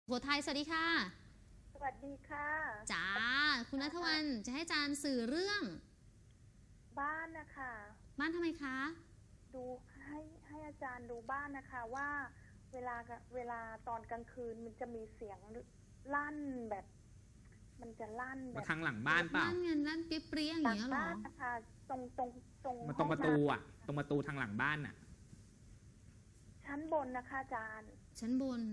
โขทัยสวัสดีค่ะสวัสดีค่ะจ้าคุณณัฐวรรณจะให้อาจารย์สื่อเรื่องบ้านนะคะบ้านทำไมคะดูให้อาจารย์ดูบ้านนะคะว่าเวลาตอนกลางคืนมันจะมีเสียงลั่นแบบ มันจะลั่นแบบทางหลังบ้านเปล่าลั่นเงินลั่นเปรี้ยๆอย่างเงี้ยหรอบ้านนะคะตรงมาตรงประตูอ่ะตรงประตูทางหลังบ้านอ่ะชั้นบนนะคะอาจารย์ชั้นบน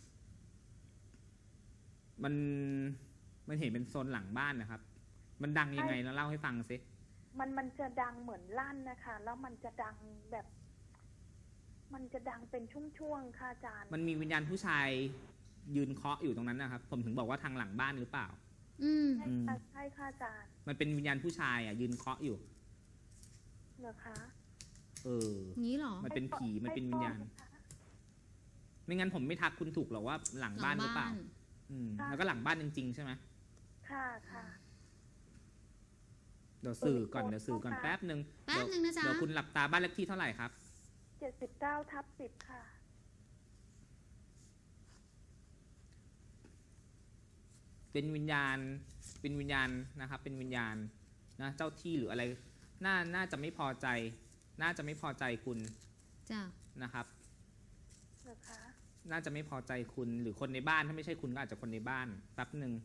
มันเห็นเป็นโซนหลังบ้านนะครับมันดังยังไงแล้วเล่าให้ฟังสิมันจะดังเหมือนลั่นนะคะแล้วมันจะดังแบบ มันจะดังเป็นช่วงๆค่ะอาจารย์มันมีวิญญาณผู้ชายยืนเคาะอยู่ตรงนั้นนะครับผมถึงบอกว่าทางหลังบ้านหรือเปล่าใช่ค่ะอาจารย์มันเป็นวิญญาณผู้ชายอ่ะยืนเคาะอยู่เหรอคะงี้หรอมันเป็นผีมันเป็นวิญญาณไม่งั้นผมไม่ทักคุณถูกหรอกว่าหลังบ้านหรือเปล่าแล้วก็หลังบ้านจริงๆใช่ไหมค่ะค่ะเดี๋ยวสื่อก่อนแป๊บนึงนะจ๊ะเดี๋ยวคุณหลับตาบ้านเลขที่เท่าไหร่ครับ 79/10ค่ะเป็นวิญญาณนะครับเป็นวิญญาณนะเจ้าที่หรืออะไรน่าจะไม่พอใจคุณจ้ะนะครับเหรอคะน่าจะไม่พอใจคุณหรือคนในบ้านถ้าไม่ใช่คุณก็อาจจะคนในบ้านแป๊บหนึ่ง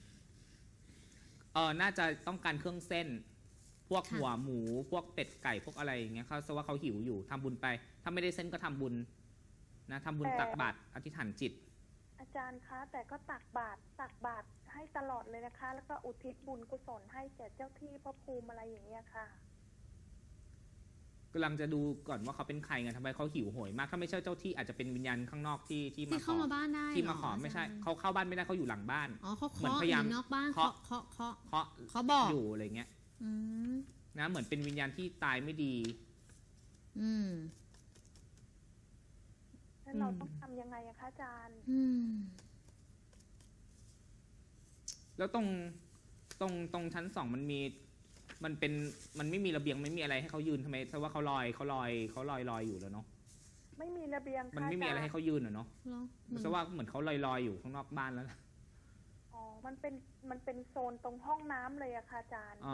น่าจะต้องการเครื่องเส้นพวกหัวหมูพวกเป็ดไก่พวกอะไรอย่างเงี้ยเขาแสดงว่าเขาหิวอยู่ทำบุญไปถ้าไม่ได้เส้นก็ทำบุญนะทำบุญตักบาตรอธิษฐานจิตอาจารย์คะแต่ก็ตักบาตรให้ตลอดเลยนะคะแล้วก็อุทิศบุญกุศลให้แก่เจ้าที่พระภูมิอะไรอย่างเงี้ยค่ะกำลังจะดูก่อนว่าเขาเป็นใครไงทำไมเขาหิวโหยมากถ้าไม่ใช่เจ้าที่อาจจะเป็นวิญญาณข้างนอกที่มาเข้ามาบ้านได้ที่มาขอไม่ใช่เขาเข้าบ้านไม่ได้เขาอยู่หลังบ้านเขาเหมือนพยายามนอกบ้านเขาบอกอยู่อะไรเงี้ยนะเหมือนเป็นวิญญาณที่ตายไม่ดีแล้วเราต้องทำยังไงอะคะอาจารย์แล้วตรงชั้น2มันไม่มีระเบียงไม่มีอะไรให้เขายืนทำไมเพราะว่าเขาลอยอยู่แล้วเนาะไม่มีระเบียงมันไม่มีอะไรให้เขายืนเนาะเพราะว่าเหมือนเขาลอยอยู่ข้างนอกบ้านแล้วอ๋อมันเป็นโซนตรงห้องน้ำเลยอะค่ะอาจารย์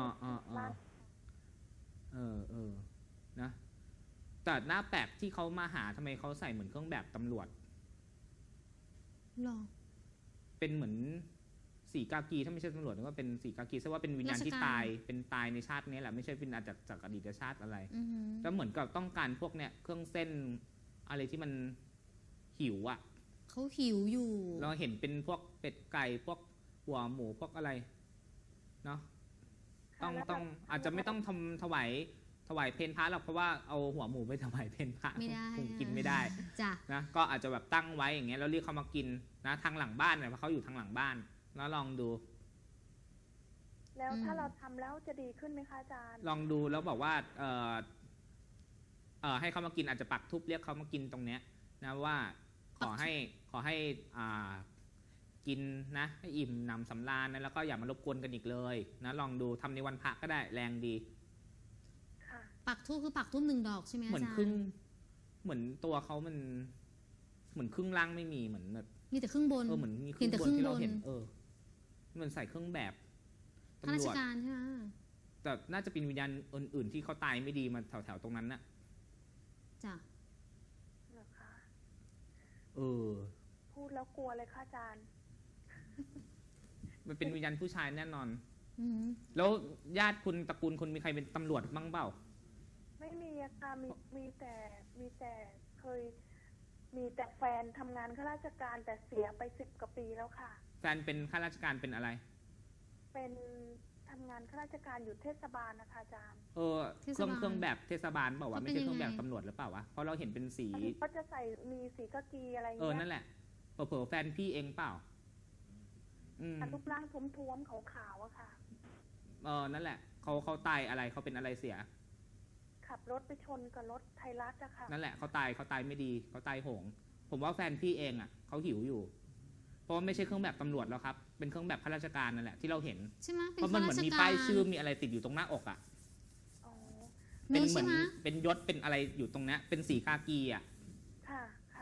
นะแต่หน้าแปลกที่เขามาหาทำไมเขาใส่เหมือนเครื่องแบบตำรวจหรอเป็นเหมือนสีกากีถ้าไม่ใช่ตำรวจก็เป็นสีกากีแสดงว่าเป็นวิญญาณที่ตายในชาตินี้แหละไม่ใช่เป็นอาจจะจากอดีตชาติอะไรแล้วเหมือนกับต้องการพวกเนี้ยเครื่องเส้นอะไรที่มันหิวอ่ะเขาหิวอยู่เราเห็นเป็นพวกเป็ดไก่พวกหัวหมูพวกอะไรเนาะต้องอาจจะไม่ต้องถวายเพลพระหรอกเพราะว่าเอาหัวหมูไปถวายเพลพระคงกินไม่ได้นะก็อาจจะแบบตั้งไว้อย่างเงี้ยแล้วเรียกเขามากินนะทางหลังบ้านเนี่ยเพราะเขาอยู่ทางหลังบ้านแล้วลองดูแล้วถ้าเราทำแล้วจะดีขึ้นไหมคะอาจารย์ลองดูแล้วบอกว่าให้เขามากินอาจจะปักธูปเรียกเขามากินตรงเนี้ยนะว่าขอให้กินนะให้อิ่มหนำสำราญนะแล้วก็อย่ามารบกวนกันอีกเลยนะลองดูทำในวันพระก็ได้แรงดีปักธูปคือปักธูป1 ดอกใช่ไหมอาจารย์เหมือนตัวเขามันเหมือนครึ่งล่างไม่มีเหมือนแบบมีแต่ครึ่งบนเหมือนมีครึ่งบนที่เราเห็นมันใส่เครื่องแบบข้าราชการใช่ไหมแต่น่าจะเป็นวิญญาณอื่นๆที่เขาตายไม่ดีมาแถวๆตรงนั้นน่ะจ้ะเหรอคะพูดแล้วกลัวเลยค่ะอาจารย์มันเป็นวิญญาณผู้ชายแน่นอนแล้วญาติคุณตระกูลคุณมีใครเป็นตำรวจบ้างเปล่าไม่มีอะค่ะมีแต่เคยมีแต่แฟนทำงานข้าราชการแต่เสียไป10 กว่าปีแล้วค่ะแฟนเป็นข้าราชการเป็นอะไรเป็นทำงานข้าราชการอยู่เทศบาลนะคะอาจารย์เครื่องแบบเทศบาลบอกว่าไม่ใช่เครื่องแบบตำรวจหรือเปล่าวะเพราะเราเห็นเป็นสีเขาจะใส่มีสีกากีอะไรอย่างเงี้ยนั่นแหละเผลอแฟนพี่เองเปล่ารูปร่างท้วมๆขาวๆอะค่ะนั่นแหละเขาตายอะไรเขาเป็นอะไรเสียขับรถไปชนกับรถไทยรัฐอะค่ะนั่นแหละเขาตายไม่ดีเขาตายโหงผมว่าแฟนพี่เองอ่ะเขาหิวอยู่เพราะว่าไม่ใช่เครื่องแบบตำรวจแล้วครับเป็นเครื่องแบบข้าราชการนั่นแหละที่เราเห็นใช่ไหมเพราะมันเหมือนมีป้ายชื่อมีอะไรติดอยู่ตรงหน้าอกอ่ะเป็นเหมือนเป็นยศเป็นอะไรอยู่ตรงนี้เป็นสีกากีอ่ะค่ะ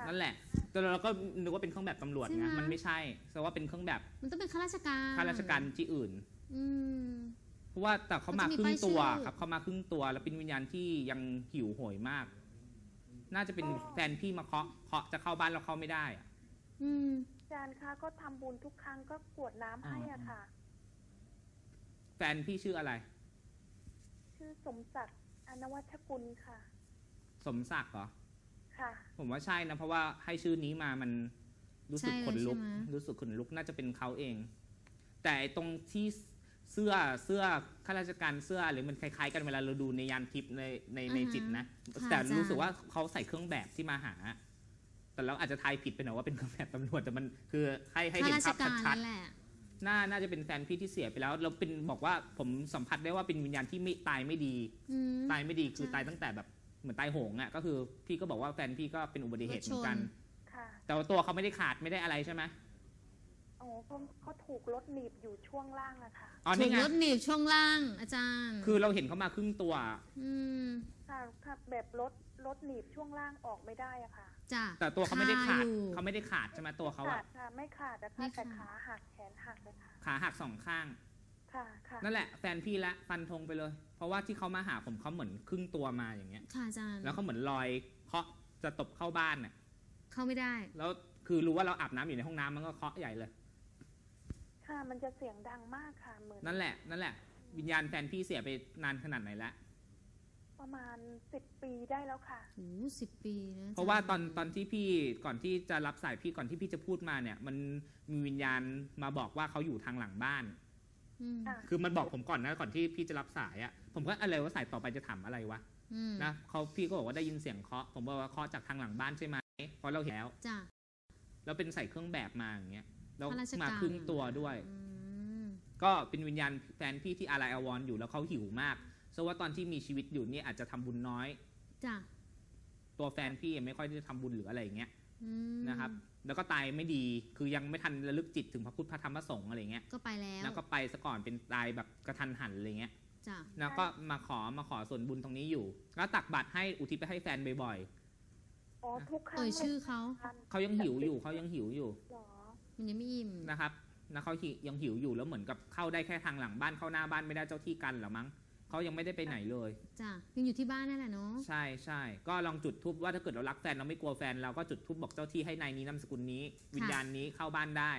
ค่ะนั่นแหละแต่เราก็นึกว่าเป็นเครื่องแบบตำรวจใช่ไงไหมมันไม่ใช่แต่ว่าเป็นเครื่องแบบมันต้องเป็นข้าราชการข้าราชการที่อื่นอืมเพราะว่าแต่เขามาเขาจะมีครึ่งตัวป้ายชื่อครับเขามาครึ่งตัวแล้วเป็นวิญญาณที่ยังหิวโหยมาก น่าจะเป็นแฟนพี่มาเคาะจะเข้าบ้านเราเข้าไม่ได้อะอืมอาจารย์คะก็ทำบุญทุกครั้งก็กรวดน้ำให้อะค่ะแฟนพี่ชื่ออะไรชื่อสมศักดิ์อนวัชกุลค่ะสมศักดิ์เหรอค่ะผมว่าใช่นะเพราะว่าให้ชื่อนี้มามันรู้สึกใช่เลยขนลุกใช่ไหมรู้สึกขนลุกน่าจะเป็นเขาเอง แต่ไอ้ตรงที่เสื้อข้าราชการเสื้อหรือมันคล้ายๆ กันเวลาเราดูในยานทิพย์ในจิตนะค่ะแต่อาจารย์รู้สึกว่าเขาใส่เครื่องแบบที่มาหา แต่เราอาจจะทายผิดไปหน่อยว่าเป็นเครื่องแบบตำรวจแต่มันคือให้ข้าเห็นราชภาพการชัดนั่นแหละๆน่าจะเป็นแฟนพี่ที่เสียไปแล้วเราเป็นบอกว่าผมสัมผัสได้ว่าเป็นวิญญาณที่ไม่ตายไม่ดีอืมตายไม่ดีคือใช่ตายตั้งแต่แบบเหมือนตายโหงอ่ะก็คือพี่ก็บอกว่าแฟนพี่ก็เป็นอุบัติเหตุเหมือนกันรถชค่ะแต่ว่าตัวเขาไม่ได้ขาดไม่ได้อะไรใช่ไหมอ๋อเขาถูกรถหนีบอยู่ช่วงล่างอะค่ะอ๋อถูนี่กไงรถหนีบช่วงล่างอาจารย์คือเราเห็นเขามาครึ่งตัวอืมค่ะแบบรถหนีบช่วงล่างออกไม่ได้อะค่ะจ้ะแต่ตัวเขาไม่ได้ขาดอยู่เขาไม่ได้ขาดใช่ไหมตัวเขาขาอะดค่ะ ไม่ขาดนะไม่คะขาดแต่ขาหักแขนหักเลยค่ะขาหักสองข้างค่ะค่ะนั่นแหละแฟนพี่ละฟันธงไปเลย เพราะว่าที่เขามาหาผมเขาเหมือนครึ่งตัวมาอย่างเงี้ยค่ะอาจารย์แล้วเขาเหมือนลอยเคาะจะตบเข้าบ้านน่ะเข้าไม่ได้แล้วคือรู้ว่าเราอาบน้ำอยู่ในห้องน้ำมันก็เคาะใหญ่เลยค่ะมันจะเสียงดังมากค่ะเหมือนนั่นแหละวิญญาณแฟนพี่เสียไปนานขนาดไหนแล้วประมาณ10 ปีได้แล้วค่ะโอ้10 ปีนะเพราะว่าอจย์ตอนที่พี่ก่อนที่จะรับสายพี่ก่อนที่พี่จะพูดมาเนี่ย มันมีวิญญาณมาบอกว่าเขาอยู่ทางหลังบ้านอืมค่ะคือมันบอกผมก่อนนะก่อนที่พี่จะรับสายอะผมก็อะไรว่าสายต่อไปจะถามอะไรวะอืมนะพี่ก็บอกว่าได้ยินเสียงเคาะผมบอกว่าเคาะจากทางหลังบ้านใช่ไหมเพราะเราเห็นแล้วจ้ะแล้วเป็นใส่เครื่องแบบมาอย่างเงี้ยแล้วข้าราชการมาครึ่งตัวด้วยอืมก็เป็นวิญญาณแฟนพี่ที่อาลัยอาวรณ์อยู่แล้วเขาหิวมากเพราะว่าตอนที่มีชีวิตอยู่เนี่ยอาจจะทำบุญน้อยจ้ะตัวแฟนพี่ไม่ค่อยได้ทำบุญหรืออะไรอย่างเงี้ยอืมนะครับแล้วก็ตายไม่ดีคือยังไม่ทันระลึกจิตถึงพระพุทธพระธรรมพระสงฆ์อะไรเงี้ยก็ไปแล้วแล้วก็ไปซะก่อนเป็นตายแบบกระทันหันอะไรเงี้ยจ้ะแล้วก็มาขอส่วนบุญตรงนี้อยู่แล้วตักบาตรให้อุทิศไปให้แฟนบ่อยอ๋อทุกครั้งเอ่ยชื่อเขาๆเขายังหิวอยู่หรอมันยังไม่อิ่มนะครับนะเขายังหิวอยู่แล้วเหมือนกับเข้าได้แค่ทางหลังบ้านเข้าหน้าบ้านไม่ได้เจ้าที่กันเหรอมั้งเขายังไม่ได้ไปไหนเลยจ้ะยังอยู่ที่บ้านนั่นแหละเนาะใช่ก็ลองจุดทูบว่าถ้าเกิดเรารักแฟนเราไม่กลัวแฟนเราก็จุดทูบบอกเจ้าที่ให้นายนี้นามสกุลนี้ วิญญาณนี้เข้าบ้านได้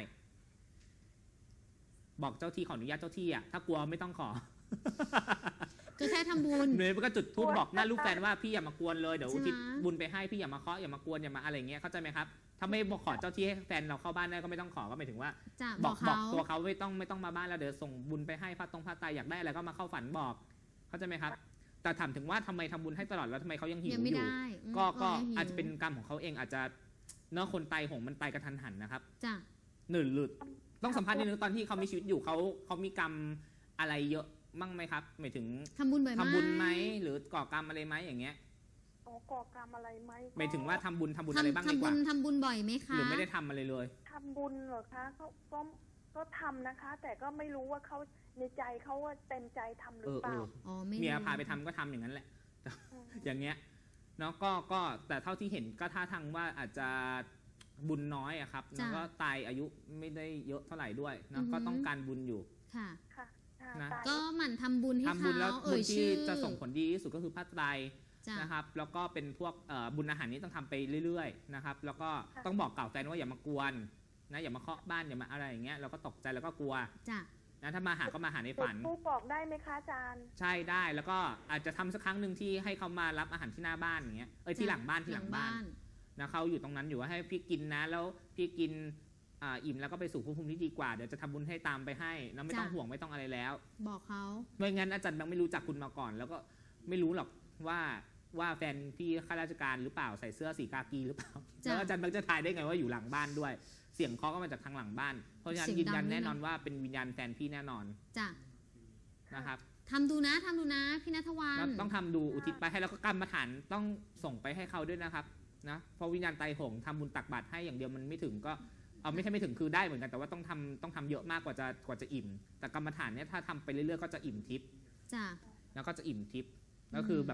บอกเจ้าที่ขออนุญาตเจ้าที่อ่ะถ้ากลัวไม่ต้องขอก็แค่ทำบุญเนยก็จุดทูบบอกหน้าลูกแฟนว่าพี่อย่ามากวนเลยเดี๋ยวใช่อุไหมทิศบุญไปให้พี่อย่ามาเคาะอย่ามากวนอย่ามาอะไรเงี้ยเข้าใจไหมครับถ้าไม่บอกขอเจ้าที่ให้แฟนเราเข้าบ้านได้ก็ไม่ต้องขอก็หมายถึงว่าจ้ะบบ ออก กเขาตัวเขาไม่ต้องมาบ้านแล้วเดี๋ยวส่งบุญไปให้พระตายอยากได้อะไรก็มาเข้าฝันบอก เข้าใจไหมครับ แต่ถามถึงว่าทำไมทำบุญให้ตลอดแล้วทำไมเขายังหิวยังไม่อยู่ได้อืมก็ยังหิวอาจจะเป็นกรรมของเขาเองอาจจะเนื้อะคนตายหงมันตายกระทันหันนะครับจ้ะหรือต้องสัมภาษณ์นิดนึงตอนที่เขามีชีวิตอยู่เขามีกรรมอะไรเยอะมั่งไหมครับหมายถึงทำบุญบ่อยไหมทำบุญไหมหรือก่อกรรมอะไรไหมอย่างเงี้ยอ๋อก่อกรรมอะไรไหมก็หมายถึงว่าทำบุญอะไรบ้างดีกว่าทำบุญบ่อยไหมคะหรือไม่ได้ทำอะไรเลยทำบุญเหรอคะก็ทำนะคะ แต่ก็ไม่รู้ว่าเขาในใจเขาว่าเต็มใจทำหรือเปล่าอ๋อไม่เมียรู้พาไปทำก็ทำอย่างนั้นแหละมอย่างเงี้ยเนาะก็แต่เท่าที่เห็นก็ท่าทางว่าอาจจะบุญน้อยอะครับแล้วก็ตายอายุไม่ได้เยอะเท่าไหร่ด้วยเนาะก็ต้องการบุญอยู่ค่ะค่ะค่ะนะตายก็หมั่นทำบุญให้ทำบุญแล้วเขาบุเอ่ญยที่ชื่อจะส่งผลดีที่สุดก็คือพระไตรจ้ะนะครับแล้วก็เป็นพวกบุญอาหารนี้ต้องทำไปเรื่อยๆนะครับแล้วก็ต้องบอกกล่าวแฟนว่าอย่ามากวนนะอย่ามาเคาะบ้านอย่ามาอะไรอย่างเงี้ยเราก็ตกใจแล้วก็กลัวจ้ะนะถ้ามาหาก็มาหาในจุฝัดนทูปบอกได้ไหมคะอาจารย์ใช่ได้แล้วก็อาจจะทำสักครั้งหนึ่งที่ให้เขามารับอาหารที่หน้าบ้านอย่างเงี้ยที่หลังบ้านนะเขาอยู่ตรงนั้นอยู่ว่าให้พี่กินนะแล้วพี่กินอิ่มแล้วก็ไปสู่ภพภูมิที่ดีกว่าเดี๋ยวจะทำบุญให้ตามไปให้แล้วไม่ต้องห่วงไม่ต้องอะไรแล้วบอกเขาไม่งั้นอาจารย์แบงค์ไม่รู้จักคุณมาก่อน แล้วก็ไม่รู้หรอกว่าแฟนพี่ข้าราชการหรือเปล่าใส่เสื้อสีกากีหรือเปล่าแล้วอาจารย์แบงค์จะทายได้ไงว่าอยู่หลังบ้านด้วย เสียงเคาะก็มาจากทางหลังบ้านเพราะฉะนั้นยืนยันแน่นอนว่าเป็นวิญญาณแฟนพี่แน่นอนจ้ะนะครับทำดูนะพี่ณัฐวรรแล้วณต้องทำดูอุทิศไปให้แล้วก็กรรมฐานต้องส่งไปให้เขาด้วยนะครับนะเพราะวิญญาณไตรหงส์ทำบุญตักบาตรให้อย่างเดียวมันไม่ถึงก็ไม่ใช่ไม่ถึงคือได้เหมือนกันแต่ว่าต้องทำเยอะมากกว่าจะอิ่ม แต่กรรมฐานเนี่ยถ้าทำไปเรื่อยๆก็จะอิ่มทิพย์จ้ะแล้วก็จะอิ่มทิพย์แล้วคือแบบ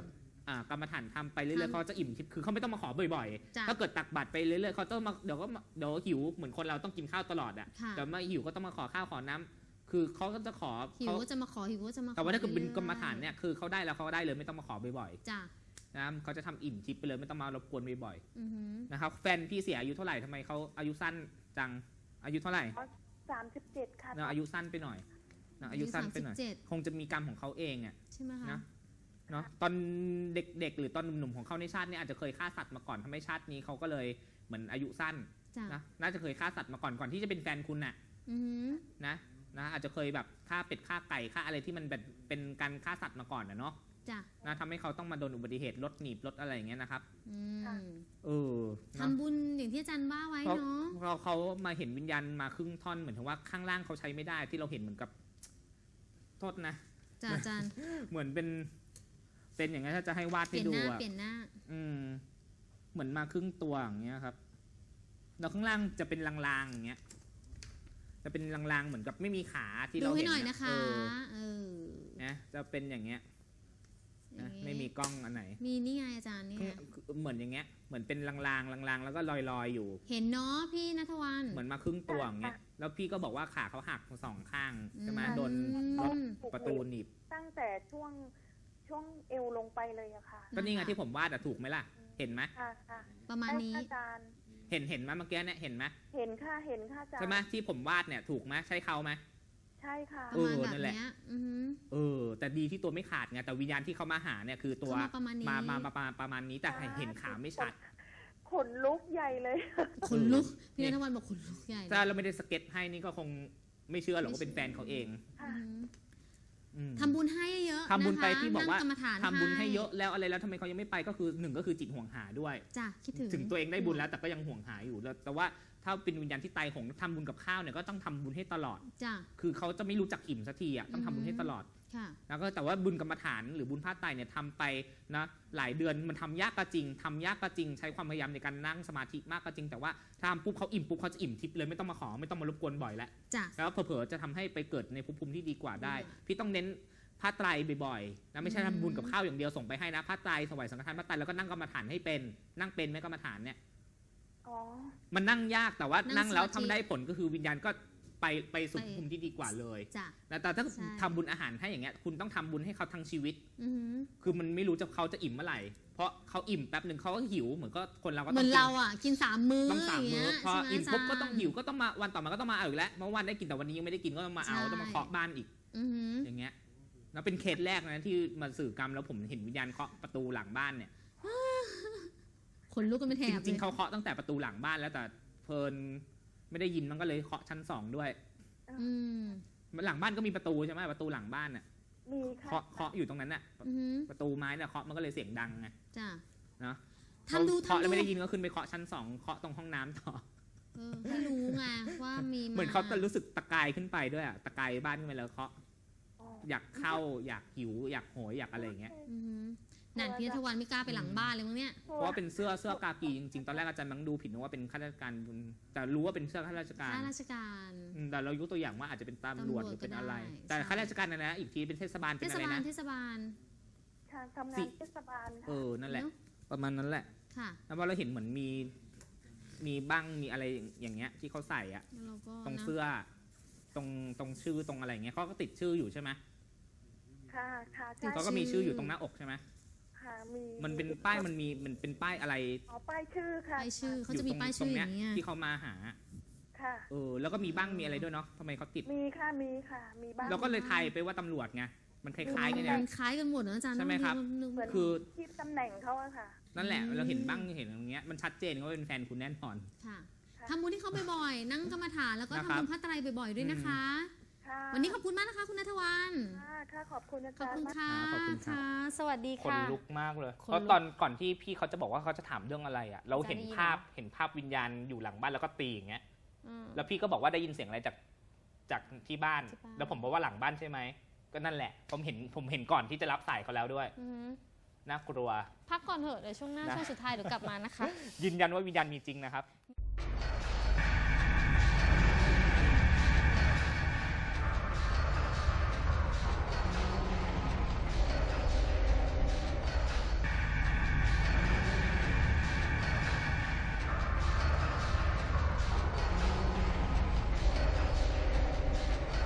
กรรมฐานทำไปเรื่อยๆเขาจะอิ่มทิพย์คือเขาไม่ต้องมาขอบ่อยจ้ะๆถ้าเกิดตักบาตรไปเรื่อยๆเขาต้องมาเดี๋ยวหิวเหมือนคนเราต้องกินข้าวตลอดอ่ะค่ะแต่มาหิวก็ต้องมาขอข้าวขอน้ำคือเขาก็จะขอหิวเขาก็จะมาขอหิวก็จะมาขอแต่ว่าถ้าเกิดเป็นกรรมฐานรื่อเนี่ยคือเขาได้แล้วเขาก็ได้เลยไม่ต้องมาขอบ่อยจ้ะๆนะเขาจะทำอิ่มทิพย์ไปเลยไม่ต้องมารบกวนบ่อยอือหือๆนะครับแฟนพี่เสียอายุเท่าไหร่ทำไมเขาอายุสั้นจังอายุเท่าไหร่ 37 ค่ะนะอายุสั้นไปหน่อยนะอายุสั้นไปหน่อย 37 คงจะมีกรรมของเขาเองอ่ะใช่ไหมคะนะเนาะตอนเด็กๆหรือตอนหนุ่มๆของเขาในชาตินี้อาจจะเคยฆ่าสัตว์มาก่อนทำให้ชาตินี้เขาก็เลยเหมือนอายุสั้นจ้ะนะน่าจะเคยฆ่าสัตว์มาก่อนที่จะเป็นแฟนคุณน่ะอือหือนะอาจจะเคยแบบฆ่าเป็ดฆ่าไก่ฆ่าอะไรที่มันแบบเป็นการฆ่าสัตว์มาก่อนนะเนาะจ้ะนะทำให้เขาต้องมาโดนอุบัติเหตุรถหนีบรถอะไรอย่างเงี้ยนะครับอืมเออเนอะทำบุญอย่างที่อาจารย์ว่าไว้เนาะเพราะเขามาเห็นวิญญาณมาครึ่งท่อนเหมือนถึงว่าข้างล่างเขาใช้ไม่ได้ที่เราเห็นเหมือนกับโทษนะจ้ะอาจารย์เหมือนเป็นอย่างเงี้ยถ้าจะให้วาดเปลี่ให้ยนดูหน้าอะเปลี่ยนหน้าเหมือนมาครึ่งตัวอย่างเงี้ยครับแล้วข้างล่างจะเป็นลางๆอย่างเงี้ยจะเป็นลางๆเหมือนกับไม่มีขาที่ดูเราให้เห็นหน่อยนะคะ เออนะจะเป็นอย่างเงี้ยอย่านะงงี้ไม่มีกล้องอันไหนมีนี่ไงอาจารย์นี่ไงเหมือนอย่างเงี้ยเหมือนเป็นลางๆแล้วก็ลอยๆอยู่เห็นเนาะพี่ณัฐวันเหมือนมาครึ่งตัวอย่างเงี้ยแล้วพี่ก็บอกว่าขาเขาหักสองข้างใช่ไหมอืมโดนรถประตูหนีบตั้งแต่ช่วงเอวลงไปเลยอะค่ะก็นี่ไงที่ผมวาดอะถูกไหมล่ะเห็นไหมค่ะประมาณนี้อาจารย์เห็นไหมเมื่อกี้เนี่ยเห็นไหมเห็นค่ะอาจารย์ใช่ไหมที่ผมวาดเนี่ยถูกไหมใช่เขาไหมใช่ค่ะประมาณแบบนั่นแหละเนี้ยอือหือแต่ดีที่ตัวไม่ขาดไงแต่วิญญาณที่เขามาหาเนี่ยคือตัวเข้ามาประมาณนี้ประมาณนี้แต่เห็นขาไม่ชัดขนลุกใหญ่เลยขนลุกพี่ณัฐวันบอกขนลุกใหญ่เลยถ้าเราไม่ได้สเก็ตให้นี่ก็คงไม่เชื่อหรอกว่าเป็นแฟนเขาเองอือหืออืมทำบุญให้เยอะๆทำบุญไปนะคะที่บอกว่านั่งรรมฐานทำบุญให้เยอะแล้วอะไรแล้วทำไมเขายังไม่ไปก็คือหนึ่งก็คือจิตห่วงหาด้วยจ้ะคิดถึงถึงตัวเองได้บุญแล้วแต่ก็ยังห่วงหาอยู่แล้วแต่ว่าถ้าเป็นวิญญาณที่ตายโหงทำบุญกับข้าวเนี่ยก็ต้องทำบุญให้ตลอดจ้ะคือเขาจะไม่รู้จักอิ่มสักทีอ่ะต้องทำบุญให้ตลอดค่ะแล้วก็แต่ว่าบุญกรรมฐานหรือบุญผ้าไตรเนี่ยทำไปนะหลายเดือนมันทำยากก็จริงทำยากก็จริงใช้ความพยายามในการนั่งสมาธิมากก็จริงแต่ว่าถ้าทำปุ๊บเขาอิ่มปุ๊บเขาจะอิ่มทิพย์เลยไม่ต้องมาขอไม่ต้องมารบกวนบ่อยแล้วจ้ะแล้วเผลอๆจะทำให้ไปเกิดในภพภูมิที่ดีกว่าได้ พี่ต้องเน้นผ้าไตรบ่อยๆนะไม่ใช่ทำบุญกับข้าวอย่างเดียวส่งไปให้นะผ้าไตรถวายสังฆทานผ้าไตรแล้วก็นั่งกรรมฐานให้เป็นนั่งเป็นไหมกรรมฐานเนี่ยอ๋อมันนั่งยากแต่ว่านั่นั่งงแล้วสมาธิทำได้ผลก็คือวิญญาณก็ไปสู่ภูมิที่ดีกว่าเลยจ้ะนะแต่ถ้าใช่ทำบุญอาหารให้อย่างเงี้ยคุณต้องทำบุญให้เขาทั้งชีวิตอือหือคือมันไม่รู้จะเขาจะอิ่มเมื่อไหร่ เพราะเขาอิ่มแป๊บหนึ่งเขาก็หิวเหมือนก็คนเราก็เหต้มืออง นเราอ่ะกิน3 มื้อต้องสามย่งมื้เงี้อย พอใช่ไหอิ่มปุ๊บก็ต้องาจารย์หิวก็ต้องมาวันต่อมาก็ต้องมาเอาอีกแล้วเมื่อวันได้กินแต่วันนี้ยังไม่ได้กินก็ต้องมาเอาใช่ต้องมาเคาะบ้านอีกอือหืออย่างเงี้ยแล้วเป็นเคสแรกนะที่มาสื่อกรรมแล้วผมเห็นวิญญาณเคาะประตูหลังบ้านเนี่ยขนลุกกันเป็นแถจบริงๆลยเขาเคาะตั้งแต่ประตูหลังบ้านแล้วแต่เพลินไม่ได้ยินมันก็เลยเคาะชั้น2ด้วยอืมหลังบ้านก็มีประตูใช่ไหมประตูหลังบ้านน่ะมีค่ะเคาะอยู่ตรงนั้นน่ะอือหือประตูไม้น่ะเคาะมันก็เลยเสียงดังไงจ้ะเนาะทำดูเคาะทำแล้วดูไม่ได้ยินก็ขึ้นไปเคาะชั้น2เคาะตรงห้องน้ำต่อให้รู้ไงว่ามีเหมือนเขาจะรู้สึกตะกายขึ้นไปด้วยอะตะกายบ้านขึ้นไปแล้วเคาะอ๋ออยากเข้าอยากหิวอยากโหยอยากอะไรอย่างเงี้ยอือหือนั่นพี่ณัฐวันไม่กล้าไปหลังบ้านเลยมั้งเนี่ยเพราะว่าเป็นเสื้อกากีจริงๆตอนแรกอาจารย์มังดูผิดนึกว่าเป็นข้าราชการแต่รู้ว่าเป็นเสื้อข้าราชการข้าราชการแต่เรายกตัวอย่างว่าอาจจะเป็นตำรวจหรือเป็นอะไรตำรวจก็ได้แต่ใช่ข้าราชการนะอีกทีเป็นเทศบาลเทเป็นศอะไรบาลนะเทศบาลค่ะทำงานเทศบาลค่ะนั่นแหละเนอะประมาณนั้นแหละค่ะแล้วพอเราเห็นเหมือนมีบ้างมีอะไรอย่างเงี้ยที่เขาใส่อะแล้วเราก็ตรงนะเสื้อตรงชื่อตรงอะไรเงี้ยเขาก็ติดชื่ออยู่ใช่ไหมค่ะค่ะใช่เขาก็มีชื่ออยู่ตรงหน้าอกใช่ไหมค่ะมีมันเป็นป้ายมันเป็นป้ายอะไรอ๋อป้ายชื่อค่ะป้ายชื่อเขาจะยู่มีตรงป้ายชื่ออย่างตรงเงี้ยที่เขามาหาค่ะแล้วก็มีบ้างมีอะไรด้วยเนาะทำไมเขาติดมีค่ะมีค่ะมีบ้างเราก็เลยทายไปว่าตำรวจไงมันคล้ายๆกันเนี่ยมันคล้ายกันหมดนะอาจารย์ใช่ไหมครับนึกเหมือนคือที่ตำแหน่งเขาอะค่ะนั่นแหละเราเห็นบ้างเห็นอย่างเงี้ยมันชัดเจนว่าเป็นแฟนคุณแน่นอนค่ะค่ะทำบุญที่เขาบ่อยๆนั่งกรรมฐานแล้วก็นะทำครับบุญพระไตรปิฎกบ่อยๆด้วยนะคะค่ะวันนี้ขอบคุณมากนะคะคุณณัฐวันค่ะขอบคุณอาขอบจารคุณย์มากค่ะขอบคุณครับค่ะ สวัสดีคนค่ะลุกมากเลยขนลุกเพราะตอนก่อนที่พี่เขาจะบอกว่าเขาจะถามเรื่องอะไรอ่ะเราเห็นภาพวิญญาณอยู่หลังบ้านแล้วก็ตีอย่างเงี้ยอืมแล้วพี่ก็บอกว่าได้ยินเสียงอะไรจากที่บ้านที่บ้านแล้วผมบอกว่าหลังบ้านใช่ไหมก็นั่นแหละผมเห็นก่อนที่จะรับสายเขาแล้วด้วยอือหือน่ากลัวพักก่อนเถอะเดี๋ยวช่วงหน้านะช่วงสุดท้ายเดี๋ยวกลับมานะคะยืนยันว่าวิญญาณมีจริงนะครับ